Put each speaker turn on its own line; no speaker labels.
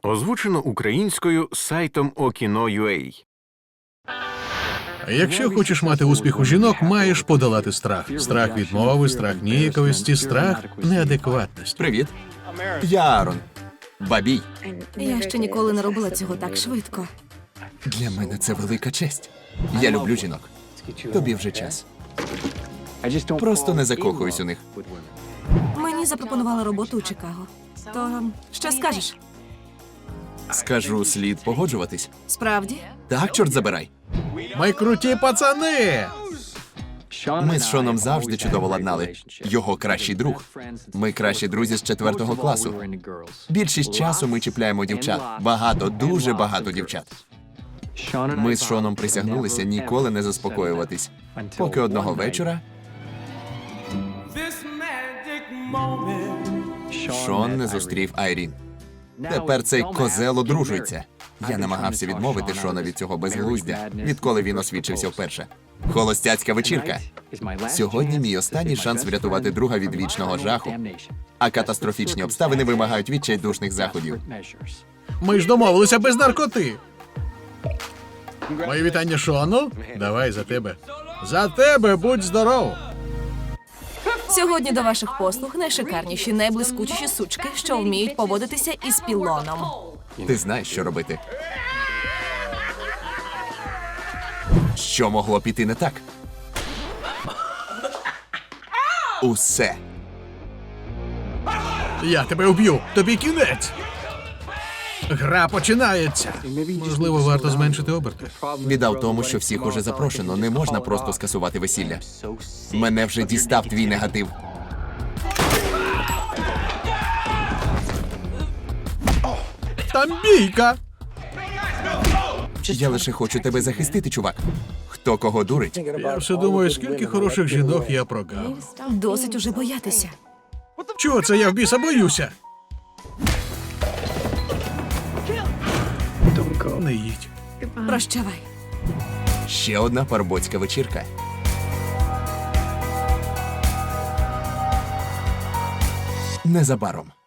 Озвучено українською сайтом Okino.ua.
Якщо хочеш мати успіх у жінок, маєш подолати страх. Страх відмови, страх ніяковості, страх неадекватності.
Привіт. Я Аарон. Бабій.
Я ще ніколи не робила цього так швидко.
Для мене це велика честь. Я люблю жінок. Тобі вже час. Просто не закохуюсь у них.
Мені запропонували роботу у Чикаго. То що скажеш?
Скажу, слід погоджуватись.
Справді?
Так, чорт забирай.
Ми круті пацани!
Ми з Шоном завжди чудово ладнали. Його кращий друг. Ми кращі друзі з 4 класу. Більшість часу ми чіпляємо дівчат. Багато, дуже багато дівчат. Ми з Шоном присягнулися ніколи не заспокоюватись. Поки одного вечора Шон не зустрів Айрін. Тепер цей козел одружується. Я намагався відмовити Шона від цього безглуздя, відколи він освідчився вперше. Холостяцька вечірка. Сьогодні мій останній шанс врятувати друга від вічного жаху. А катастрофічні обставини вимагають відчайдушних заходів.
Ми ж домовилися без наркоти. Мої вітання Шону. Давай за тебе. За тебе, будь здоров!
Сьогодні до ваших послуг найшикарніші, найблискучіші сучки, що вміють поводитися із пілоном.
Ти знаєш, що робити. Що могло піти не так? Усе.
Я тебе вб'ю. Тобі кінець. Гра починається. Можливо, варто зменшити оберти.
Біда в тому, що всіх уже запрошено. Не можна просто скасувати весілля. Мене вже дістав твій негатив.
Там бійка!
Я лише хочу тебе захистити, чувак. Хто кого дурить?
Я все думаю, скільки хороших жінок я прогав.
Досить уже боятися.
Чого це я в біса боюся? Не їдь.
Прощавай.
Ще одна парубоцька вечірка. Незабаром.